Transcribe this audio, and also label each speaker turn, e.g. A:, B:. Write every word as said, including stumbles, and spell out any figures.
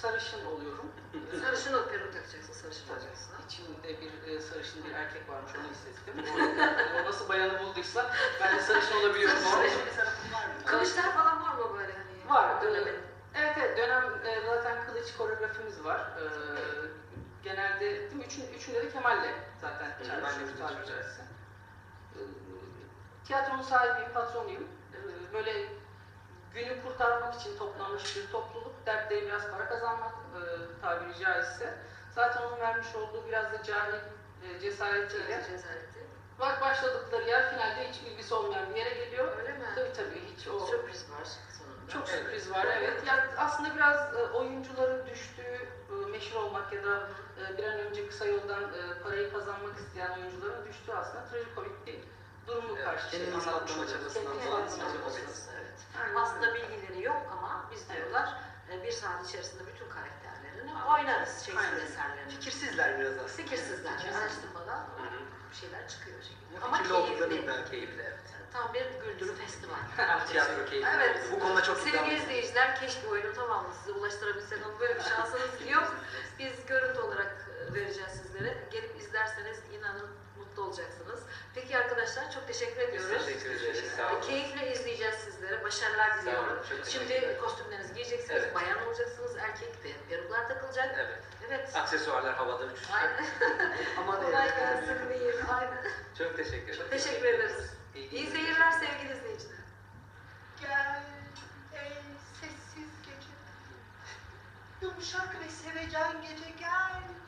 A: sarışın oluyorum.
B: Sarışın ol, peruk takacaksın, sarışın olacaksın.
A: İçimde bir e, sarışın bir erkek varmış, onu hissettim. O, o nasıl bayanı bulduysa ben de sarışın olabiliyorum.
B: Sarışın
C: bir tarafın var mı?
B: Kılıçlar falan var mı böyle hani?
A: Var.
B: Dönemin.
A: Evet evet, dönem e, zaten kılıç koreografimiz var. E, genelde değil mi? Üçün, üçünde de Kemal'le zaten çalışıyoruz tabiri caizse. E, tiyatronun sahibi, patronuyum. E, böyle günü kurtarmak için toplanmış bir topluluk, dertleri biraz para kazanmak e, tabiri caizse. Zaten onun vermiş olduğu biraz da cahil e, cesaretiyle
B: Cesareti.
A: bak başladıkları yer finalde hiç bilgisi olmayan bir yere geliyor.
B: Öyle mi?
A: Tabii tabii hiç o
B: Sürpriz var sonunda.
A: çok sürpriz var evet. Yani aslında biraz e, oyuncuların düştüğü e, meşhur olmak ya da e, bir an önce kısa yoldan e, parayı kazanmak isteyen oyuncuların düştüğü aslında trajikomik bir durumu
C: Evet,
A: karşı
C: kendini
A: anlatmış
C: anlatma
A: oluyoruz.
C: çabasından
A: Kendini
C: falan
A: anlatma
C: anlatma
A: çabası.
C: çabası.
B: Evet.
A: Aynen
B: Aslında
A: öyle.
B: bilgileri yok ama biz
A: Evet.
B: diyorlar e, bir saat içerisinde bütün karakterlerini oynarız Shakespeare
A: Aynen.
B: eserlerini.
C: Fikirsizler biraz aslında.
B: Fikirsizler.
A: Fikirsizler.
B: Araştırmadan
C: Hı hı.
B: bir şeyler çıkıyor o şekilde.
C: Ama
B: Ama
C: fikirli olduklarını
B: keyifli.
C: iddia keyifli, evet.
B: Tam bir güldürü festival.
C: Tiyatro keyifli.
B: Evet.
C: Bu konuda çok iddialıyım.
B: Sevgili izleyiciler, keşke oyunu tamamını size ulaştırabilsek ama böyle bir şansınız yok. Biz görüntü olarak e, vereceğiz sizlere. Gelip izlerseniz inanın mutlu olacaksınız. Peki arkadaşlar, çok teşekkür ediyoruz.
C: Teşekkür ederiz. Sağ olun.
B: Keyifle izleyeceğiz sizlere. Başarılar
C: Sağ olun.
B: diliyorum.
C: Çok
B: Şimdi
C: teşekkürler.
B: kostümlerinizi giyeceksiniz,
C: Evet.
B: bayan olacaksınız, erkek ve peruklar takılacak.
C: Evet.
B: Evet.
C: Aksesuarlar havada uçuşacak.
B: Aynen.
C: Aman
B: Kolay
C: evet.
B: gelsin diyeyim. Aynen.
C: Çok teşekkür ederim.
B: Teşekkür ederiz. İyi seyirler sevgili izleyiciler.
D: Gel ey sessiz gece, yumuşak ve sevecen gece gel.